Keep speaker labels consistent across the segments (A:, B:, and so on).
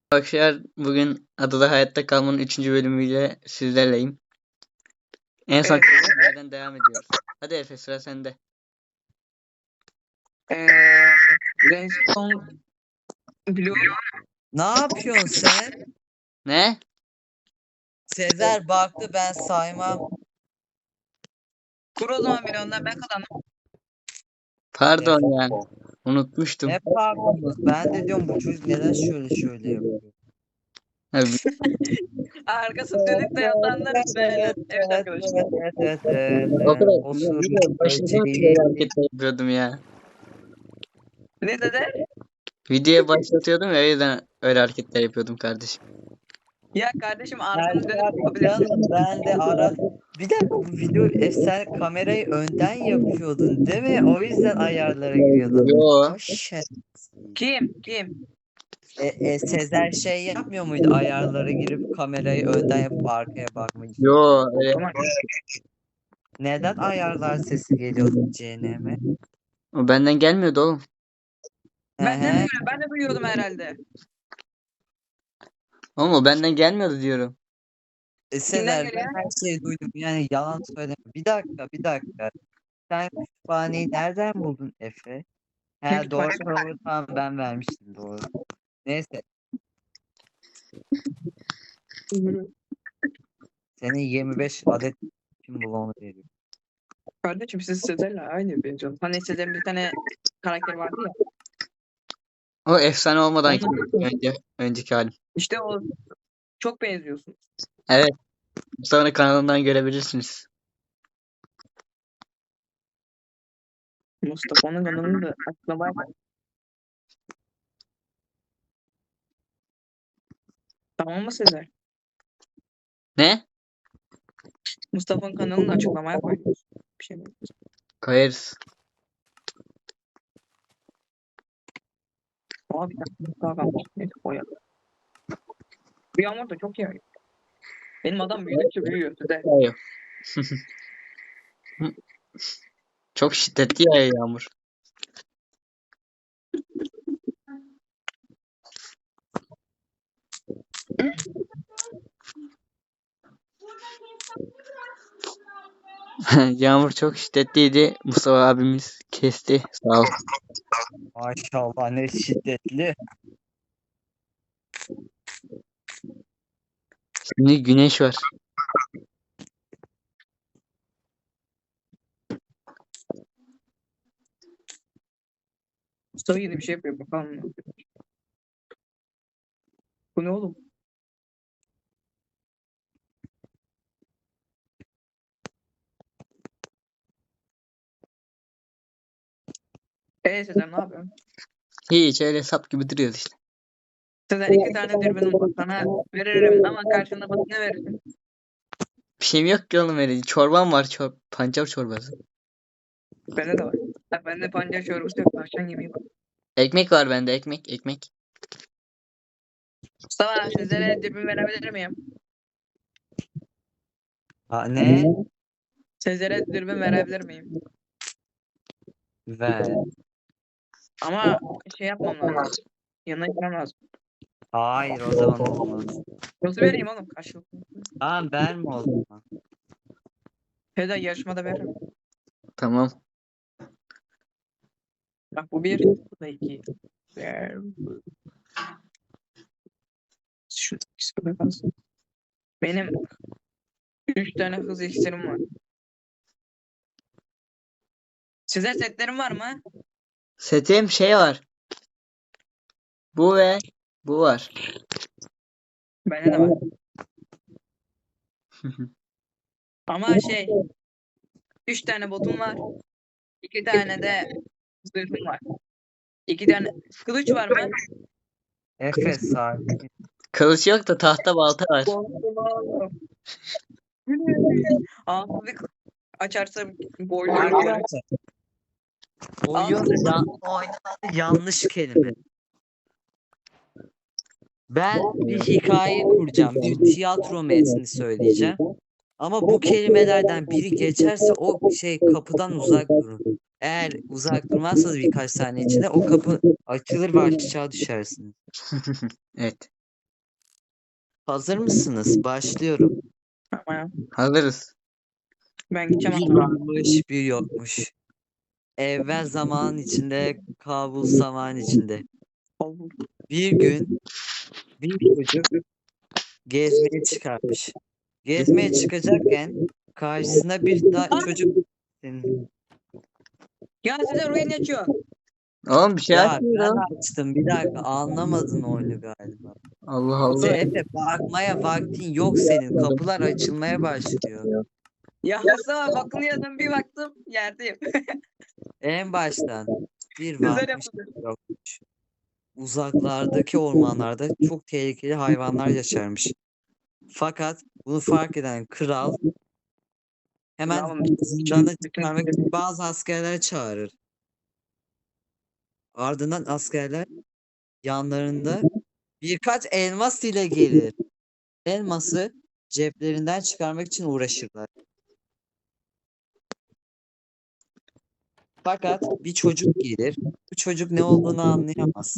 A: Arkadaşlar bugün Adada Hayatta Kalmanın 3. bölümüyle sizlerleyim. En son
B: Evet.
A: yerden devam ediyoruz. Hadi Efe, sıra sende.
B: Redstone Blue.
C: Ne yapıyorsun sen?
A: Ne?
C: Sezer baktı ben saymam.
B: Kur o zaman beni ondan ben kazandım.
A: Pardon ya. Unutmuştum.
C: Ne pardon? Ben de diyorum bu çocuk neden şöyle yapıyor.
A: Abi,
B: Arkası dönük de yatanlar böyle. Evet arkadaşlar.
A: o kadar
C: Osur
A: videoya başladığım için öyle hareketler yapıyordum ya.
B: Ne dedi?
A: Videoya başlatıyordum ya, o yüzden öyle hareketler yapıyordum kardeşim.
B: Ya kardeşim arkanı dönüp yapabilirsin.
C: Canım ben de ara... Bir dakika bu video sen kamerayı önden yapıyordun değil mi? O yüzden ayarlara giriyordun.
A: Yo.
C: O şey.
B: Kim?
C: Sezer şey yapmıyor muydu? Ayarlara girip kamerayı önden yapıp arkaya bakmayı.
A: Yo. Öyle.
B: Tamam.
C: Neden ayarlar sesi geliyordu CNM'e?
A: O benden gelmiyordu oğlum.
B: Ben de duyuyordum herhalde.
A: Oğlum o benden gelmiyordu diyorum.
C: Sezer
B: geliyor?
C: ben her şeyi duydum. Yani yalan söyleme. Bir dakika. Sen kütüphaneyi nereden buldun Efe? He doğru tamam ben vermiştim doğru. Neyse senin 25 adet kim bloğunu veriyor.
B: Kardeşim siz Sezer'le aynı benziyorsunuz. Hani Sezer'in bir tane karakteri vardı ya.
A: O efsane olmadan önceki halim.
B: İşte o çok benziyorsunuz.
A: Evet. Sonra kanalından görebilirsiniz.
B: Mustafa'nın kanalını da açıklamaya tamam mı Sezer?
A: Ne?
B: Mustafa'nın kanalını da açıklamaya koyuyoruz. Bir şey mi?
A: Koyarız.
B: Abi bir dakika daha kalmış. Neyse koyalım. Bu yağmur da çok yağıyor. Benim adam büyüdükçe büyüyor Sezer.
A: Yağıyor. Çok şiddetli yağıyor yağmur. Yağmur çok şiddetliydi. Mustafa abimiz kesti. Sağ ol.
C: Maşallah ne şiddetli.
A: Şimdi güneş var.
B: Mustafa yeni bir şey yapıyor bakalım. Bu ne oğlum? Sezer ne yapıyorsun?
A: Hiç öyle sap gibi duruyoruz işte.
B: Sezer 2 tane dürbünüm var. Sana veririm ama karşında bana ne verirsin?
A: Bir şeyim yok ki oğlum öyle. Çorbam var. Pancar çorbası.
B: Bende de var. Bende pancar çorbası yok. Tavşan yemeği var.
A: Ekmek var bende. Ekmek.
B: Mustafa Sezer'e dürbün verebilir miyim?
C: Ha, ne?
B: Sezer'e dürbün verebilir miyim?
C: Ver.
B: Ama şey yapmam lazım. Yanına gitmem lazım.
C: Hayır o zaman olmaz.
B: Nasıl vereyim oğlum? Karşılıklı.
C: Tamam verme o zaman.
B: Sezer yarışmada veririm.
A: Tamam.
B: Bak bu bir, bu da iki. Şu ikisi de kalsın. Benim 3 tane hız iksirim var. Size setlerim var mı?
A: Setim şey var. Bu ve bu var.
B: Bende de var. Ama şey 3 tane botum var. 2 tane de zırhım var. 2 tane kılıç var mı?
C: Efe sakin.
A: Kılıç yok da tahta balta var.
B: Ağzını açarsa boynu.
C: Yanlış kelime. Ben bir hikaye kuracağım. Bir tiyatro metni söyleyeceğim. Ama bu kelimelerden biri geçerse o şey kapıdan uzak durun. Eğer uzak durmazsanız birkaç saniye içinde o kapı açılır ve aşağı düşersiniz.
A: Evet.
C: Hazır mısınız? Başlıyorum.
B: Ama
A: Hazırız.
B: ben gideceğim
C: Bir
B: hatta.
C: varmış, bir yokmuş. Evvel zaman içinde, kabul zaman içinde.
B: Olur.
C: Bir gün bir çocuk gezmeye çıkarmış. Gezmeye çıkacakken karşısına bir çocuk.
B: Ya Sezer oyun açıyor.
A: Oğlum bir şey
C: Ya ben
A: açmıyorum.
C: açtım, bir dakika, anlamadın oyunu galiba.
A: Allah Allah.
C: Efe, bakmaya vaktin yok senin. Kapılar açılmaya başlıyor.
B: Ya Mustafa bakınıyordum bir baktım yerdeyim.
C: En baştan bir
B: Güzel
C: varmış,
B: yapıldı.
C: bir yokmuş. Uzaklardaki ormanlarda çok tehlikeli hayvanlar yaşarmış. Fakat bunu fark eden kral hemen
B: Tamam.
C: canı çıkarmak için bazı askerler çağırır. Ardından askerler yanlarında birkaç elmas ile gelir. Elması ceplerinden çıkarmak için uğraşırlar. Fakat bir çocuk gelir. Bu çocuk ne olduğunu anlayamaz.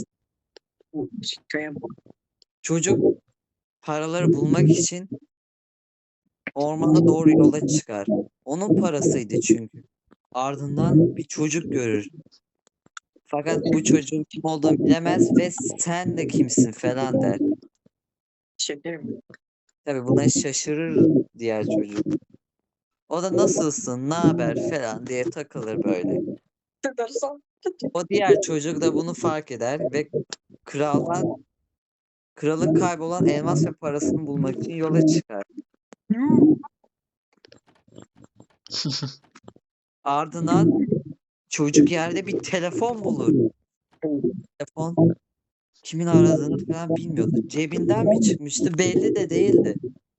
C: Çocuk paraları bulmak için ormana doğru yola çıkar. Onun parasıydı çünkü. Ardından bir çocuk görür. Fakat bu çocuğun kim olduğunu bilemez ve sen de kimsin falan der.
B: Şekerim.
C: Tabii buna şaşırır diğer çocuk. O da nasılsın, ne haber falan diye takılır böyle.
B: Tutarsan.
C: O diğer çocuk da bunu fark eder ve kralın kaybolan elmas ve parasını bulmak için yola çıkar. Ardından çocuk yerde bir telefon bulur. Telefon kimin aradığını falan bilmiyordu. Cebinden mi çıkmıştı belli de değildi.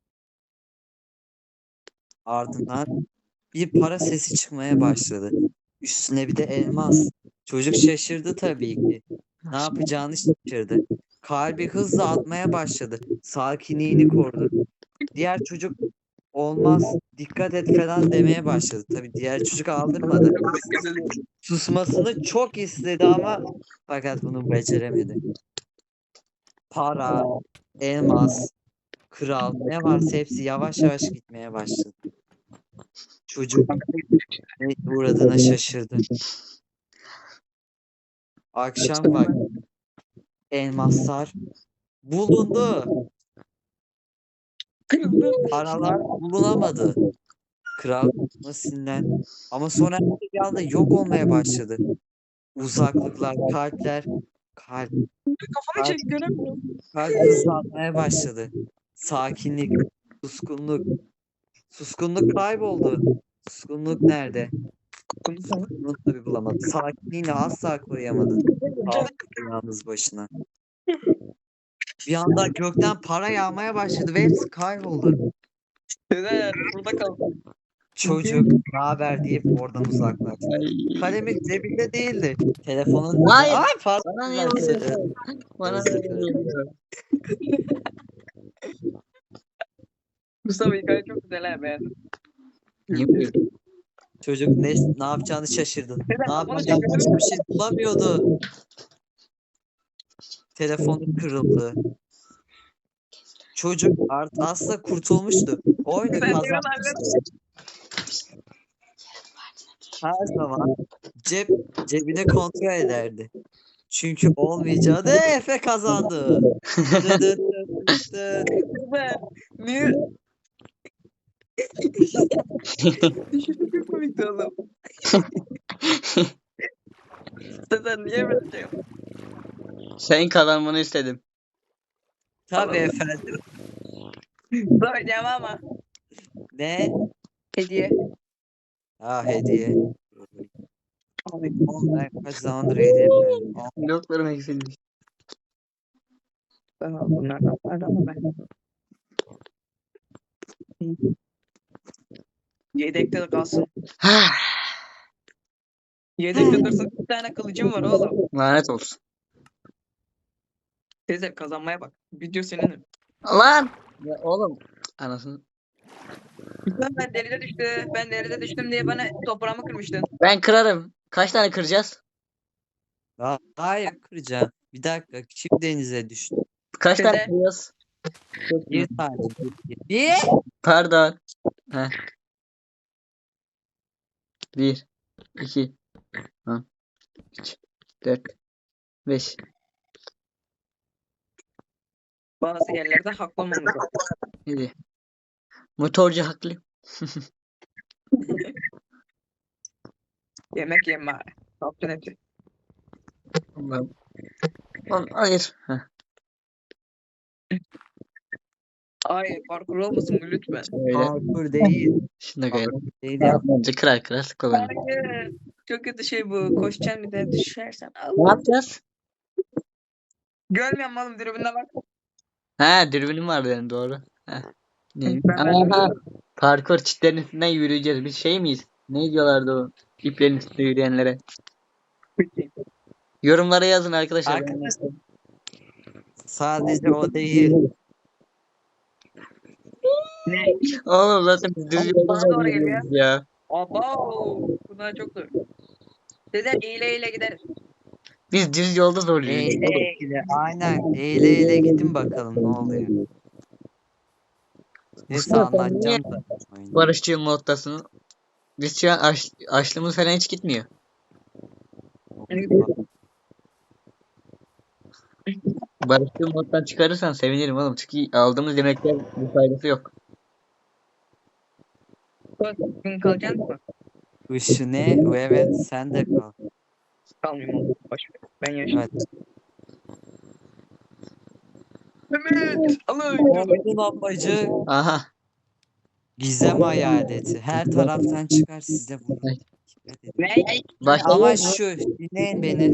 C: Ardından bir para sesi çıkmaya başladı. Üstüne bir de elmas. Çocuk şaşırdı tabii ki. Ne yapacağını şaşırdı. Kalbi hızla atmaya başladı. Sakinliğini korudu. Diğer çocuk olmaz, dikkat et falan demeye başladı. Tabii diğer çocuk aldırmadı. Susmasını çok istedi ama fakat bunu beceremedi. Para, elmas, kral ne varsa hepsi yavaş yavaş gitmeye başladı. Çocuk ne uğradığına şaşırdı. Akşam vakti elmaslar bulundu.
B: Kırıldı.
C: Paralar bulunamadı. Kral buna sinirlendi. Ama sonra bir anda yok olmaya başladı. Uzaklıklar, kalpler, kalp,
B: Kafamı çek göremiyorum.
C: kalp hızlanmaya başladı. Sakinlik, suskunluk. Suskunluk kayboldu. Suskunluk nerede? Suskunluğu tabii bulamadı. Sakinliğini asla koruyamadı. Kaldı yalnız başına. Bir anda gökten para yağmaya başladı ve hepsi kayboldu.
B: Sezer burada kal.
C: Çocuk ne haber deyip oradan uzaklaştı. Kalemi cebinde değildi. Telefonun...
A: Hayır.
C: Ay pardon.
A: Bana niye
C: ben
A: vuruyorsun? Bana
C: Özür
A: niye
C: dilerim.
A: vuruyorsun?
B: Mustafa hikaye çok güzel ha beğendim.
A: Niye vuruyorsun?
C: Çocuk ne yapacağını şaşırdı.
B: Sezer
C: Ne
B: kafamı
C: yapacağını
B: çek
C: başka bir şey bulamıyordu. Telefonu kırıldı. Çocuk asla kurtulmuştu. Oyunu kazanmıştı. Her zaman cebini kontrol ederdi. Çünkü olmayacağı Efe kazandı. Dı dı dı dı dı.
B: Sezer. Niye? Çok komikti oğlum. Sezer niye böyle şey yaptın?
A: Senin kazanmanı istedim.
C: Tabii efendim.
B: Söyleyeceğim ama.
C: Ne?
B: Hediye.
C: Hediye.
B: Abi.
C: Oğlum ben kaç zamandır hediye yapıyorum.
A: Bloklarım eksilmiş.
B: Bunlardan vardı ama ben. Yedekte de kalsın. Yedekte dursun. Bir tane kılıcım var oğlum.
A: Lanet olsun.
B: Sezer kazanmaya bak. Video senin.
A: Lan! Ya oğlum. Anasını.
B: Ben deride düştü. Ben deride düştüm diye bana toprağımı kırmıştın.
A: Ben kırarım. Kaç tane kıracağız?
C: Hayır kıracağım. Bir dakika. Kim denize düştü?
A: Kaç tane
B: Sezer.
A: kıracağız?
C: Bir saniye. Bir.
A: Pardon. Heh. 1, 2, 3, 4, 5.
B: Bazı yerlerde haklı olmamız lazım.
A: Hadi. Motorcu haklı.
B: Yemek yeme. Ne yaptın hepsi?
A: Allah'ım. Lan hayır. Heh.
B: Ay parkur olmasın bu lütfen.
A: Öyle.
C: Parkur değil.
A: Şimdi koyalım.
C: Parkur değil ya.
A: Bence kırar kırar sıkılalım.
B: Hayır. Çok kötü şey bu. Koşacaksın bir de düşersen.
A: Ne
B: Allah.
A: yapacağız?
B: Görmüyor musun oğlum dürbünle bak.
A: Ha dürbünüm vardı benim doğru. Heh. Neymiş?
B: Ben de
A: Aha,
B: görüyorum.
A: parkur çitlerin üstünden yürüyeceğiz. Biz şey miyiz? Ne diyorlardı o iplerin üstünde yürüyenlere? Yorumlara yazın arkadaşlar.
C: Arkadaşlar, sadece o değil.
B: Ne?
A: Oğlum zaten biz düz
B: Oğlum,
A: yolda
B: bana doğru
A: zannediyoruz ya.
B: Abo. Bunlar çok zor. Sezer eğile eğile gideriz.
A: Biz düz yolda zorluyoruz.
C: Eğile eğile. Aynen. Eğile eğile gidin bakalım ne oluyor. Neyse
A: Mustafa,
C: anlatacağım da. oyunu.
A: Barışçı moddasını. Biz şu an açlığımız falan hiç gitmiyor. Barışçı moddan çıkarırsan sevinirim oğlum. Çünkü aldığımız yemekler bir faydası yok.
B: Bugün kalacaksın mı?
C: Işığı ne? Evet sen de kal.
B: Kalmayayım oğlum. Boş ver. Ben yaşayayım.
C: Evet.
B: Mehmet. Alın.
C: Oyunun amacı
A: Aha.
C: gizem hayaleti. Her taraftan çıkar size vurur. Dikkat edin.
B: Ne?
C: Amaç şu. Dinleyin beni.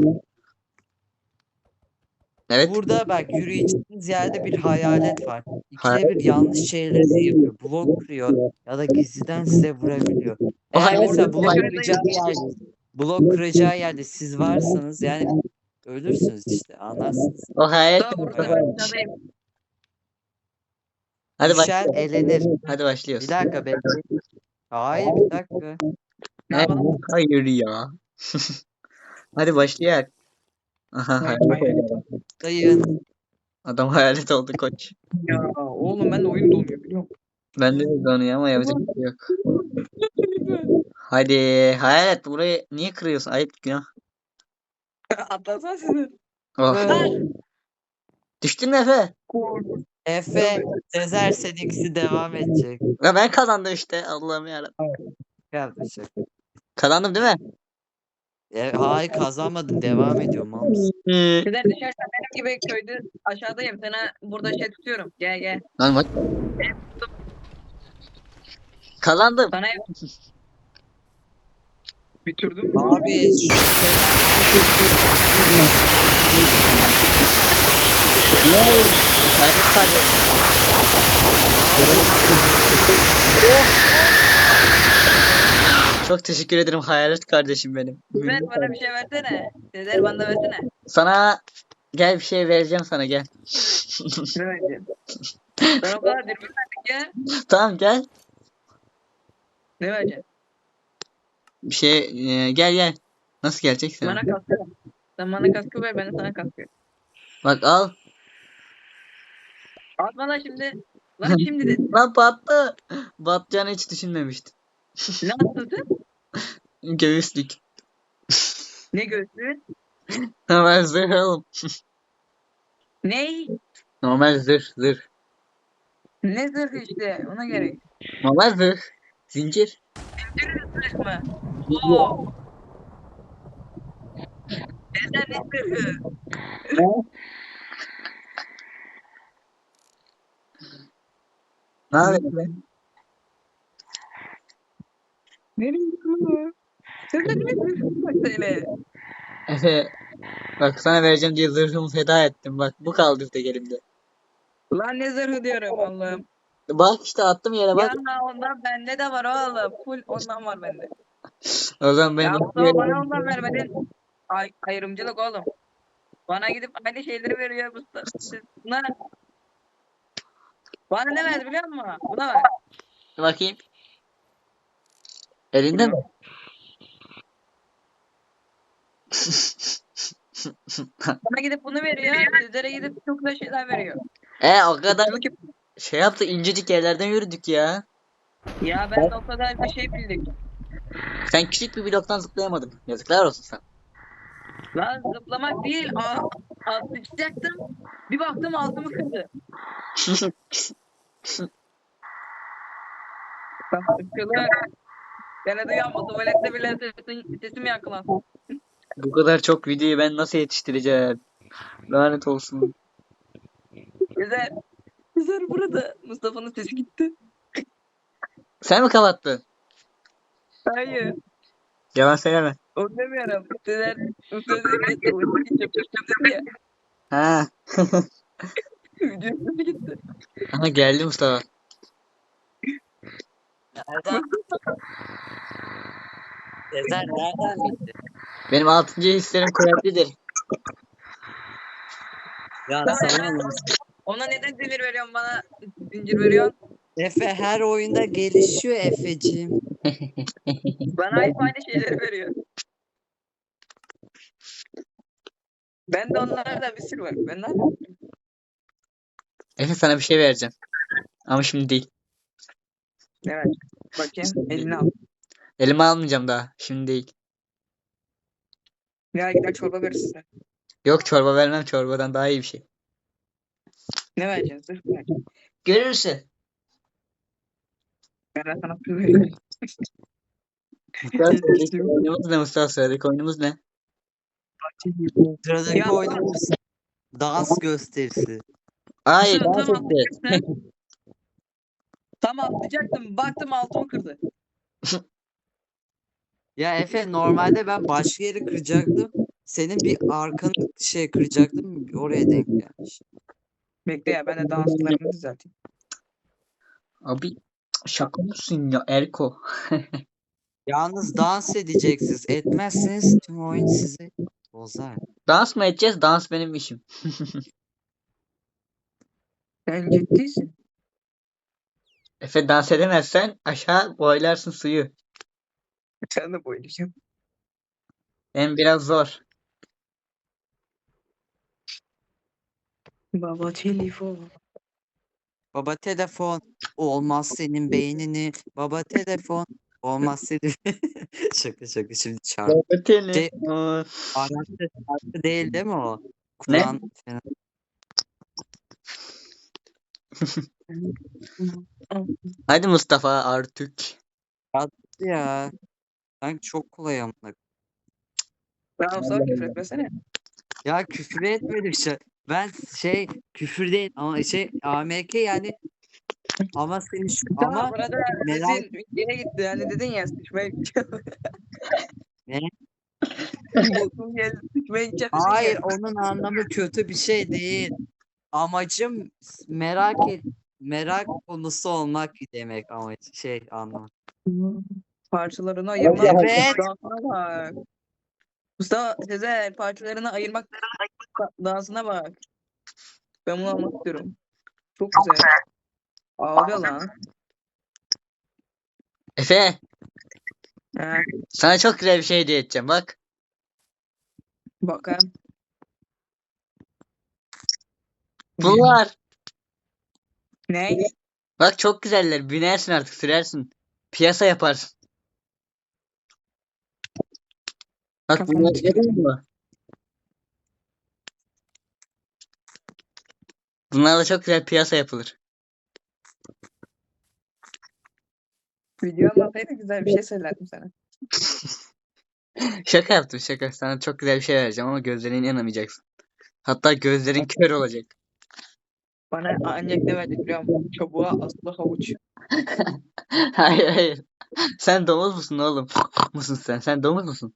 A: Evet.
C: Burada bak yürüyeceğiniz yerde bir hayalet var.
A: Hayalet.
C: İkide bir yanlış şeyleri yapıyor. Blok kırıyor ya da gizliden size vurabiliyor. Eğer
A: hayalet-
C: mesela blok kıracağı yerde siz varsanız yani ölürsünüz işte anlarsınız.
A: O hayal.
B: Daha burada
C: Evet.
B: ben aşağıdayım.
A: Hadi
C: Düşen
A: başlıyoruz.
C: elenir.
A: Hadi başlıyoruz.
C: Bir dakika bekleyin. Hayır bir dakika.
B: Ne yapalım?
A: Hayır ya. Hadi başlayalım. Aha
B: Hayır,
A: hayalet
B: hayır.
A: oldu.
C: Dayın.
A: Adam hayalet oldu koç.
B: Ya oğlum ben de oyun donuyor biliyor musun?
A: Ben de donuyor ama yapacak bir şey yok. Hadi hayalet burayı niye kırıyorsun? Ayıp ya.
B: Atlasana sizin.
A: Oh. Düştün mü Efe?
C: Efe, Sezer seninkisi devam edecek.
A: Ya ben kazandım işte. Allah'ım yarabbim.
C: Yapacak.
A: Kazandım değil mi?
C: Hayır kazanmadın devam ediyor mal mısın?
B: Sizler düşersen benim gibi köyde aşağıdayım. Sana burada şey tutuyorum. Gel gel.
A: Lan bak. Kazandım.
B: Sana bitirdim.
C: Abi şu
A: Hayalet kardeşim. Çok teşekkür ederim hayalet kardeşim benim.
B: Sizler bana bir şey versene. Sizler bana da versene.
A: Sana gel bir şey vereceğim sana gel.
B: Ne vereceğim? Ben o kadar dürbün verdik ya.
A: Tamam gel.
B: Ne vereceğim?
A: Bir şey gel gel. Nasıl geleceksin?
B: Bana kaskı ver. Sen bana kaskı ver ben de sana kaskı ver.
A: Bak al.
B: Atma lan şimdi. Lan şimdi de.
A: Lan battı. Batacağını hiç düşünmemiştim.
B: Ne attın?
A: Göğüslük.
B: Ne göğsü?
A: Normal zırh oğlum.
B: Ne?
A: Normal zırh.
B: Ne zırhı işte ona gerek.
A: Normal zırh. Zincir.
B: Zırh mı? Oo. Neden ne zırhı?
A: Ne yapıyorsun?
B: Nereye zırhı? Neden ne zırhı? Bak söyle.
A: Efe bak sana vereceğim diye zırhımı feda ettim. Bak bu kaldı tek elimde.
B: Lan ne zırhı diyorum Allah'ım.
A: Bak işte attım yere bak.
B: Ya ondan bende de var oğlum. Full ondan var bende.
A: O zaman ben
B: Ya o zaman bana ondan vermedin. Ayrımcılık oğlum. Bana gidip aynı şeyleri veriyor Mustafa. Buna bana ne verdi biliyor musun? Buna ver.
A: bakayım. Elinde mi?
B: Bana gidip bunu veriyor. Sizlere gidip çok da şeyler veriyor.
A: O kadar
B: Irkçılık yap-
A: şey yaptı, incecik yerlerden yürüdük ya.
B: Ya ben de o kadar bir şey bildik.
A: Sen küçük bir bloktan zıplayamadın. Yazıklar olsun sana.
B: Lan zıplamak değil. Atlayacaktım. Bir baktım altımı kırdı. Irkçılık. Ben de uyanma. Tuvalette bile sesim yankılansın.
A: Bu kadar çok videoyu ben nasıl yetiştireceğim? Lanet olsun.
B: Güzel. Güzel burada. Mustafa'nın sesi gitti.
A: Sen mi kapattın?
B: Hayır.
A: Yalan söyleme.
B: Onu demiyorum. Üsteler ki tuvalete gideceğim dedi ya.
A: Ha.
B: Videonun sesi gitti.
A: Aha geldi Mustafa.
C: Nereden? Sezer nereden bildi?
A: Benim 6. hislerim kuvvetlidir.
C: Ya
B: Tamam,
C: sana
B: ben-
C: ne?
B: Ona neden zincir veriyorsun bana? Zincir veriyorsun.
C: Efe her oyunda gelişiyor Efeciğim.
B: Bana hep aynı şeyleri veriyor. Ben de onlardan bir sürü var. Ben ne yapayım?
A: Efe sana bir şey vereceğim. Ama şimdi değil.
B: Evet. Bakayım elini al.
A: Elime almayacağım daha. Şimdi değil.
B: Ya gider çorba verir size.
A: Yok, çorba vermem. Çorbadan daha iyi bir şey.
B: Ne vereceğiz? Zırh mı vereceğiz?
A: Görürsün.
B: Ben de sana su vereyim.
A: Mustafa sıradaki oyunumuz ne Mustafa? Sıradaki oyunumuz ne?
C: Sıradaki
B: Ya-
C: oyunumuz dans gösterisi.
A: Hayır,
B: Tamam,
A: dans
B: tamam.
A: edeceğiz.
B: Tam atlayacaktım. Baktım altımı kırdı.
C: Ya Efe normalde ben başka yeri kıracaktım. Senin bir arkanı kıracaktım. Oraya denk gelmiş.
B: Bekle ya ben de danslarımı düzelteyim.
A: Abi şaka mısın ya Erko?
C: Yalnız dans edeceksiniz. Etmezseniz tüm oyun sizi bozar.
A: Dans mı edeceğiz? Dans benim işim.
B: Sen ciddisin.
A: Efe dans edemezsen aşağı boylarsın suyu.
B: Sen de boylayacağım.
A: Hem biraz zor.
B: Baba telefon.
C: Baba telefon olmaz senin beynini. Baba telefon olmaz senin. Şaka şimdi çarpı.
A: Öteni.
C: Şey- Arapça şarkı değil değil mi o?
A: Ne?
C: Kur'an falan.
A: Hadi Mustafa artık.
C: Ya. Sanki çok kolay amına.
B: Ben olsa küfür etmesene.
C: Ya küfür etmedim şey. Ben küfür değil ama AMK yani ama seni
B: Tamam
C: ama
B: burada
C: merak
B: sesin yere gitti. Hani dedin ya sıçmaya gideceğim.
C: ne?
B: Botum geldi sıçmaya gideceğim. dedin ya.
C: Hayır onun anlamı kötü bir şey değil. Amacım merak konusu olmak demek ama anlamı.
B: Parçalarını ayırmak.
C: Evet.
B: Dansına bak. Mustafa Sezer parçalarını ayırmak dansına bak. Ben bunu almak istiyorum. Çok güzel. Ağlıyor lan.
A: Efe,
B: He,
A: sana çok güzel bir şey hediye edeceğim bak.
B: bakayım.
A: Bunlar.
B: Ne?
A: Bak çok güzeller. Binersin artık, sürersin. Piyasa yaparsın. Bak
B: Kafam
A: bunlar
B: çıkıyor.
A: görüyor musun? Bunlarla çok güzel piyasa yapılır.
B: Video anlataydı güzel bir şey söylerdim sana.
A: Şaka yaptım, şaka. Sana çok güzel bir şey vereceğim ama gözlerine inanamayacaksın. Hatta gözlerin kör olacak.
B: Bana ancak ne verdi biliyor musun? Çubuğa aslı havuç.
A: Hayır hayır. Sen domuz musun oğlum? Musun sen? Sen domuz musun?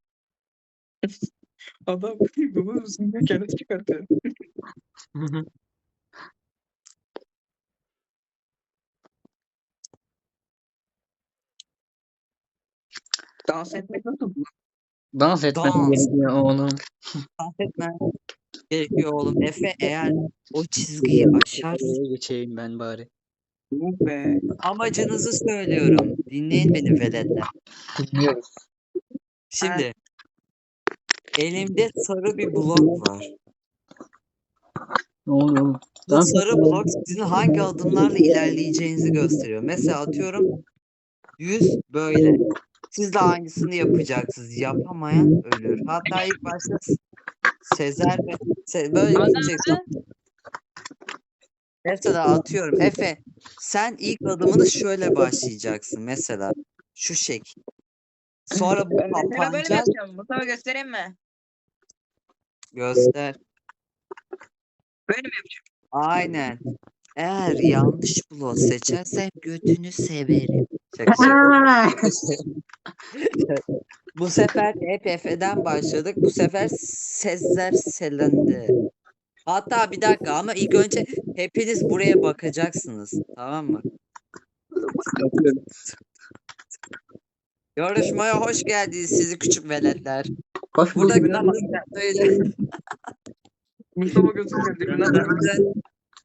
B: Adam domuz musun diye kendisi çıkartıyor. Dans etmek nasıl?
A: Dans etmem
C: Dans.
A: gerekiyor oğlum.
C: Dans etmen gerekiyor oğlum. Efe eğer o çizgiyi aşarsan
A: Oraya geçeyim ben bari.
B: Yok be.
C: amacınızı söylüyorum. Dinleyin beni veletler.
A: Dinliyoruz.
C: Şimdi elimde sarı bir blok var.
A: Ne oluyor oğlum?
C: Bu sarı blok sizin hangi adımlarla ilerleyeceğinizi gösteriyor. Mesela atıyorum 100 böyle. Siz de aynısını yapacaksınız. Yapamayan ölür. Hatta ilk başta Sezer ve böyle gideceksin. Mesela atıyorum Efe, sen ilk adımını şöyle başlayacaksın mesela şu şekil. Sonra bu
B: Ben mesela böyle mi
C: kapanacak.
B: yapacağım? Mustafa göstereyim mi?
C: Göster.
B: Böyle mi yapacağım?
C: Aynen. Eğer yanlış blok seçersen götünü severim. Şaka şaka. Bu sefer hep Efe'den başladık. Bu sefer Sezer Selen'de. Hatta bir dakika ama ilk önce hepiniz buraya bakacaksınız. Tamam mı?
A: Bakıyorum.
C: Yarışmaya hoş geldiniz sizi küçük veletler.
A: Hoş
C: Burada
A: bulduk.
B: Birbirinden bak.
C: böyle
B: Mustafa gözüküyor. Birbirinden bak.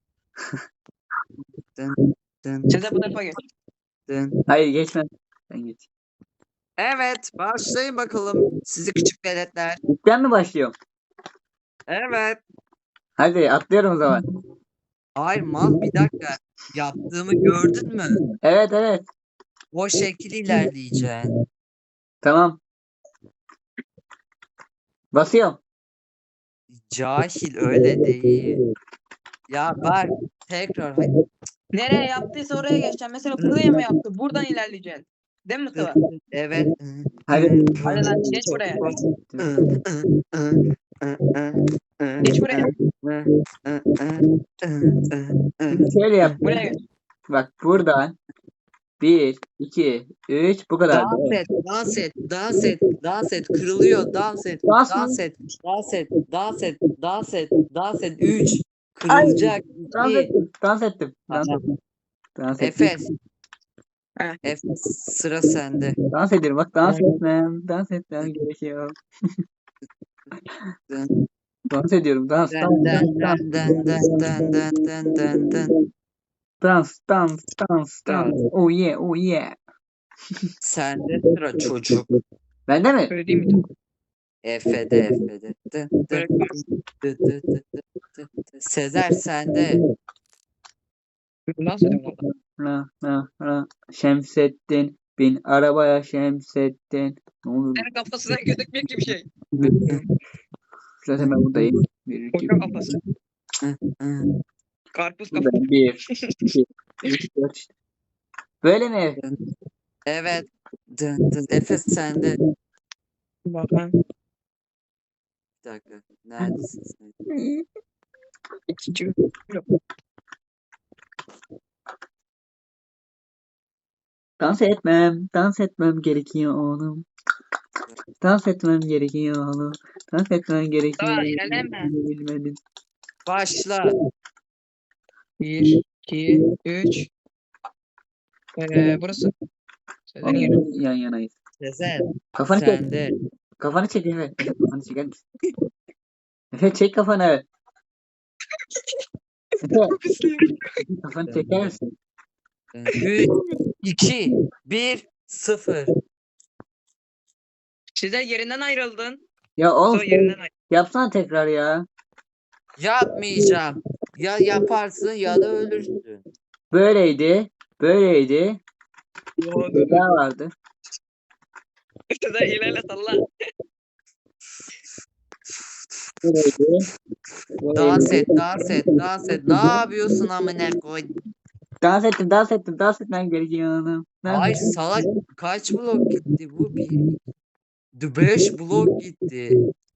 C: Dın, dın,
B: Sezer bu tarafa geç.
C: dın.
A: Hayır geçmem. Sen geç.
C: Evet, başlayın bakalım sizi küçük veletler.
A: İlkten mi başlıyorum?
C: Evet.
A: Hadi atlıyorum o zaman.
C: Hayır mal bir dakika. Yaptığımı gördün mü?
A: Evet evet.
C: O şekil ilerleyeceksin.
A: Tamam. Basıyorum.
C: Cahil öyle değil. Ya bak tekrar
B: Nereye yaptıysa oraya geçeceğim. Mesela buraya mı yaptı? Buradan ilerleyeceksin. Değil mi Mustafa?
C: evet.
A: Hadi.
B: Hadi lan geç buraya. Geç buraya.
A: Şimdi şöyle yap.
B: Buraya geç.
A: Bak buradan 1, 2, 3 bu kadar.
C: Dans et, dans et, dans et, dans et, kırılıyor, dans et,
A: Dans mı?
C: dans et, dans et, dans et, dans et, dans et, 3,
A: Ay,
C: kırılacak,
A: Dans
C: 2,
A: ettim. Dans ettim. Dans
C: Tamam.
A: ettim. Dans ettim.
C: Efes,
B: Heh.
C: Efes sıra sende.
A: Dans ediyorum. Bak dans etmem. Dans etmem gerekiyor.
C: Dın,
A: Dans ediyorum. Dans.
C: dın,
A: Dans.
C: dın,
A: Dans.
C: dın, dın, dın, dın, dın, dın, dın.
A: Dans. Dans. Dans.
C: Dans.
A: Dans. Oh yeah. Oh yeah.
C: Sende sıra çocuk.
A: Bende mi?
B: Öyle değil mi?
C: Efe'de, Efe'de. Dın, dın,
B: Böyle
C: dın, dın, dın, dın, dın, dın. Sezer sende.
B: nasıl ediyorum valla?
A: Şemsettin. Bin arabaya Şemsettin. Ne oluyor?
B: Senin kafasından gözükmüyor ki bir şey.
A: Zaten ben buradayım. 1, 2,
B: Koca kafası.
C: Hı, hı.
B: Karpuz kafası.
A: 1, 2, 3, 4 işte. Böyle mi?
C: Evet. Dın, dın. Efes sende.
B: Bakın.
C: Bir dakika. Neredesin sen?
B: İkinci.
A: Dans etmem gerekiyor oğlum. Dans etmem gerekiyor oğlum. Dans etmem gerekiyor.
B: Tamam, ilerleme.
A: Bilmedim.
C: Başla.
B: 1, 2, 3. Burası. Sezer'in yeri.
A: Yan yanayız.
C: Sezer.
A: Kafanı çek.
C: Sende.
A: Kafanı çek Efe. Efe kafanı çeker misin? Efe çek kafanı. Efe kafanı çeker misin?
C: 3, 2, 1, 0.
B: Sezer yerinden ayrıldın.
A: Ya oğlum
B: Sonra yerinden ayrıldın.
A: yapsana tekrar ya.
C: Yapmayacağım. Ya yaparsın ya da ölürsün.
A: Böyleydi. Böyleydi. Bir daha vardı.
B: Sezer ilerle salla.
A: Böyleydi.
C: Dans et, dans et, dans et. Ne yapıyorsun amına koy?
A: Dans etmem gerekiyor oğlum.
C: Ay salak kaç blok gitti bu? 5 blok gitti.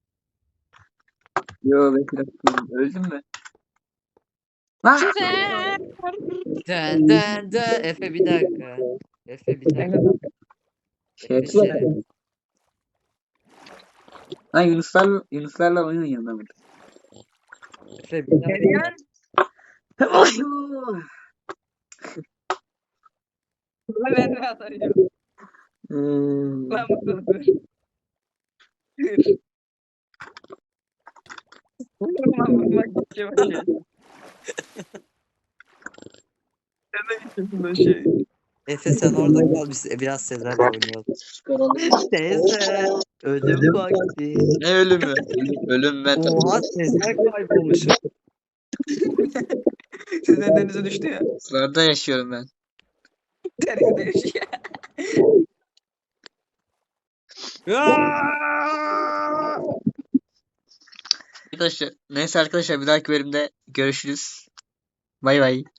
A: Yo ben öldüm mü? Lan!
B: Sezer.
C: Dön dön dön. Efe bir dakika. Efe bir dakika. Efe
A: Şey,
C: şey.
A: Lan Yunuslarla oyun oynuyorum ben burada.
C: Efe bir
B: Ne
C: dakika.
B: diyorsun? Ben de atarıyorum. Lan Mustafa. Vurmak istiyor bir şey. Sen de gideceksin o şey.
C: Efe sen orada kal biz biraz Sezer'le oynayalım. Sezer. Ölüm vakti.
A: Ne ölümü? Ölüm ben
C: Oha Sezer kaybolmuş.
B: Sezen denize düştü ya.
A: Sularda yaşıyorum ben.
B: Denizde yaşıyor.
A: Arkadaşlar, neyse arkadaşlar bir dahaki bölümde görüşürüz. Bay bay.